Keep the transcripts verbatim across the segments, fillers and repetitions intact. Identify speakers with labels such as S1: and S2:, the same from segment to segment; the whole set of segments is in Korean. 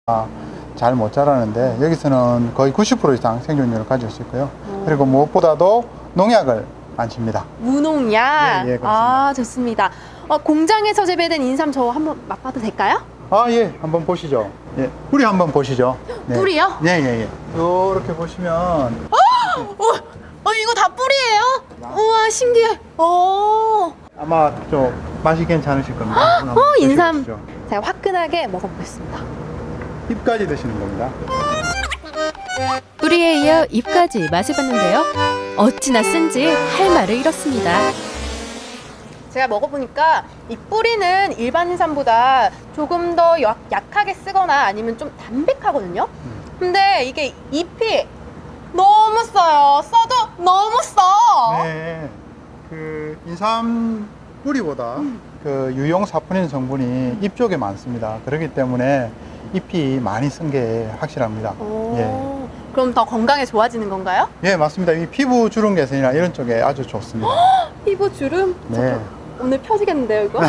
S1: 잘 못 자라는데 여기서는 거의 구십 퍼센트 이상 생존율을 가질 수 있고요. 그리고 무엇보다도 농약을 안 칩니다.
S2: 무농약?
S1: 예, 예, 그렇습니다.
S2: 아, 좋습니다. 어, 공장에서 재배된 인삼 저 한번 맛봐도 될까요?
S1: 아, 예, 한번 보시죠. 예, 뿌리 한번 보시죠. 네.
S2: 뿌리요?
S1: 예, 예, 예. 이렇게 보시면
S2: 어, 어, 이거 다 뿌리예요? 우와, 신기해. 어,
S1: 아마 좀 맛이 괜찮으실 겁니다. 한번
S2: 어, 인삼.
S1: 드셔보시죠.
S2: 제가 화끈하게 먹어보겠습니다.
S1: 잎까지 드시는 겁니다.
S3: 뿌리에 이어 잎까지 맛을 봤는데요. 어찌나 쓴지 할 말을 잃었습니다.
S2: 제가 먹어보니까 이 뿌리는 일반 인삼보다 조금 더 약, 약하게 쓰거나 아니면 좀 담백하거든요. 근데 이게 잎이 너무 써요. 써도 너무 써.
S1: 네, 그 인삼 뿌리보다 그 유용 사포닌 성분이 잎 쪽에 많습니다. 그렇기 때문에 잎이 많이 쓴 게 확실합니다.
S2: 오,
S1: 예.
S2: 그럼 더 건강에 좋아지는 건가요?
S1: 예, 맞습니다. 이 피부 주름 개선이나 이런 쪽에 아주 좋습니다.
S2: 피부 주름?
S1: 네.
S2: 오늘 펴지겠는데요, 이거?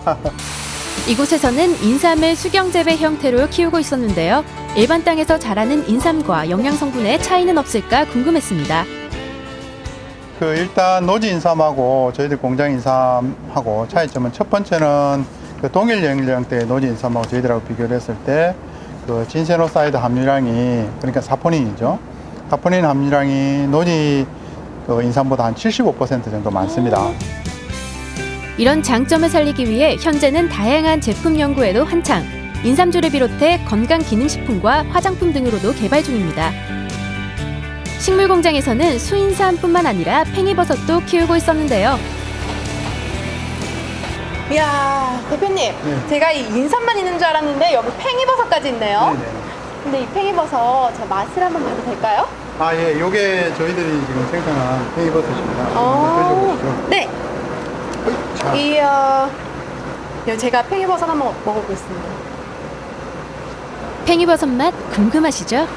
S3: 이곳에서는 인삼을 수경 재배 형태로 키우고 있었는데요. 일반 땅에서 자라는 인삼과 영양 성분의 차이는 없을까 궁금했습니다.
S1: 그 일단 노지 인삼하고 저희들 공장 인삼하고 차이점은 첫 번째는 그 동일 연령대의 노지 인삼하고 저희들하고 비교를 했을 때 그 진세노사이드 함유량이 그러니까 사포닌이죠. 사포닌 함유량이 노지 그 인삼보다 한 칠십오 퍼센트 정도 많습니다.
S3: 이런 장점을 살리기 위해 현재는 다양한 제품 연구에도 한창, 인삼주를 비롯해 건강기능식품과 화장품 등으로도 개발 중입니다. 식물공장에서는 수인삼뿐만 아니라 팽이버섯도 키우고 있었는데요.
S2: 이야, 대표님.
S1: 네.
S2: 제가 이 인삼만 있는 줄 알았는데 여기 팽이버섯까지 있네요.
S1: 네네.
S2: 근데 이 팽이버섯 제 맛을 한번 봐도 될까요?
S1: 아, 예, 요게 저희들이 지금 생산한 페이버섯입니다.
S2: 어,
S1: 드셔보시죠.
S2: 네.
S1: 자,
S2: 이야, 예, 제가 팽이버섯 한번 먹어보겠습니다.
S3: 팽이버섯 맛 궁금하시죠?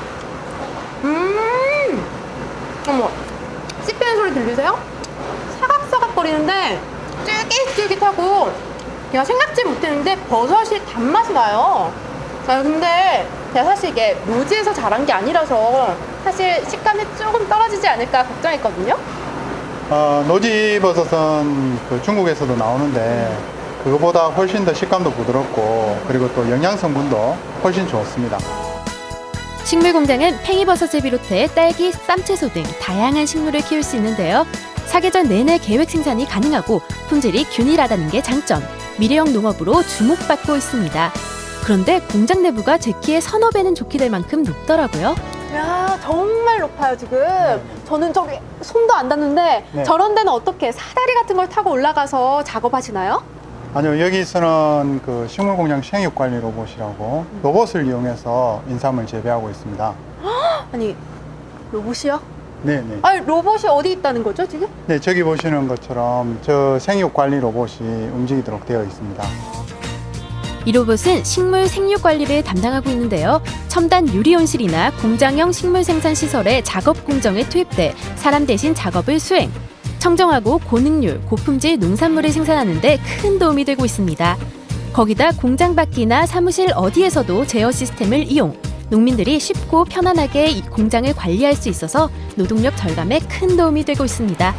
S2: 음, 어머, 씹히는 소리 들리세요? 사각사각거리는데 쫄깃쫄깃하고 제가 생각지 못했는데 버섯이 단맛이 나요. 자, 근데 제가 사실 이게 노지에서 자란 게 아니라서 사실 식감이 조금 떨어지지 않을까 걱정했거든요.
S1: 어, 노지버섯은 그 중국에서도 나오는데 그거보다 훨씬 더 식감도 부드럽고 그리고 또 영양 성분도 훨씬 좋습니다.
S3: 식물공장은 팽이버섯을 비롯해 딸기, 쌈채소 등 다양한 식물을 키울 수 있는데요. 사계절 내내 계획 생산이 가능하고 품질이 균일하다는 게 장점, 미래형 농업으로 주목받고 있습니다. 그런데 공장 내부가 제 키의 서너 배는 좋게 될 만큼 높더라고요.
S2: 야, 정말 높아요, 지금. 저는 저기 손도 안 닿는데
S1: 네.
S2: 저런 데는 어떻게 사다리 같은 걸 타고 올라가서 작업하시나요?
S1: 아니요, 여기서는 그 식물공장 생육관리 로봇이라고 로봇을 이용해서 인삼을 재배하고 있습니다.
S2: 아니, 로봇이요?
S1: 네네.
S2: 아니, 로봇이 어디 있다는 거죠, 지금?
S1: 네, 저기 보시는 것처럼 저 생육관리 로봇이 움직이도록 되어 있습니다.
S3: 이 로봇은 식물 생육 관리를 담당하고 있는데요. 첨단 유리 온실이나 공장형 식물 생산 시설에 작업 공정에 투입돼 사람 대신 작업을 수행. 청정하고 고능률, 고품질 농산물을 생산하는 데 큰 도움이 되고 있습니다. 거기다 공장 밖이나 사무실 어디에서도 제어 시스템을 이용. 농민들이 쉽고 편안하게 이 공장을 관리할 수 있어서 노동력 절감에 큰 도움이 되고 있습니다.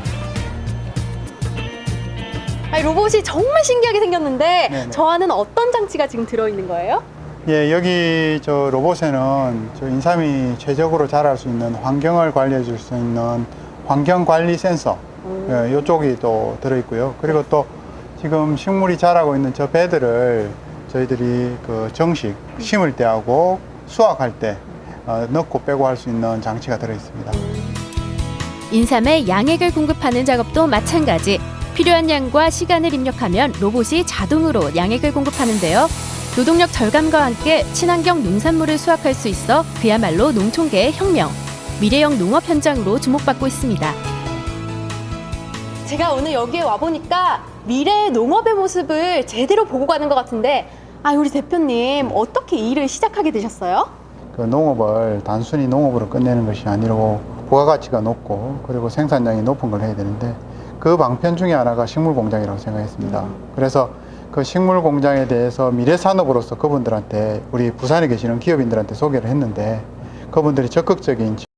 S2: 아니, 로봇이 정말 신기하게 생겼는데
S1: 네네.
S2: 저 안에는 어떤 장치가 지금 들어있는 거예요?
S1: 예, 여기 저 로봇에는 저 인삼이 최적으로 자랄 수 있는 환경을 관리해 줄 수 있는 환경 관리 센서 예, 이쪽이 또 들어있고요. 그리고 또 지금 식물이 자라고 있는 저 배들을 저희들이 그 정식 심을 때하고 수확할 때 어, 넣고 빼고 할 수 있는 장치가 들어있습니다.
S3: 인삼에 양액을 공급하는 작업도 마찬가지. 필요한 양과 시간을 입력하면 로봇이 자동으로 양액을 공급하는데요. 노동력 절감과 함께 친환경 농산물을 수확할 수 있어 그야말로 농촌계의 혁명, 미래형 농업 현장으로 주목받고 있습니다.
S2: 제가 오늘 여기에 와보니까 미래의 농업의 모습을 제대로 보고 가는 것 같은데 아, 우리 대표님 어떻게 이 일을 시작하게 되셨어요?
S1: 그 농업을 단순히 농업으로 끝내는 것이 아니고 부가가치가 높고 그리고 생산량이 높은 걸 해야 되는데 그 방편 중에 하나가 식물공장이라고 생각했습니다. 그래서 그 식물 공장에 대해서 미래 산업으로서 그분들한테 우리 부산에 계시는 기업인들한테 소개를 했는데 그분들이 적극적인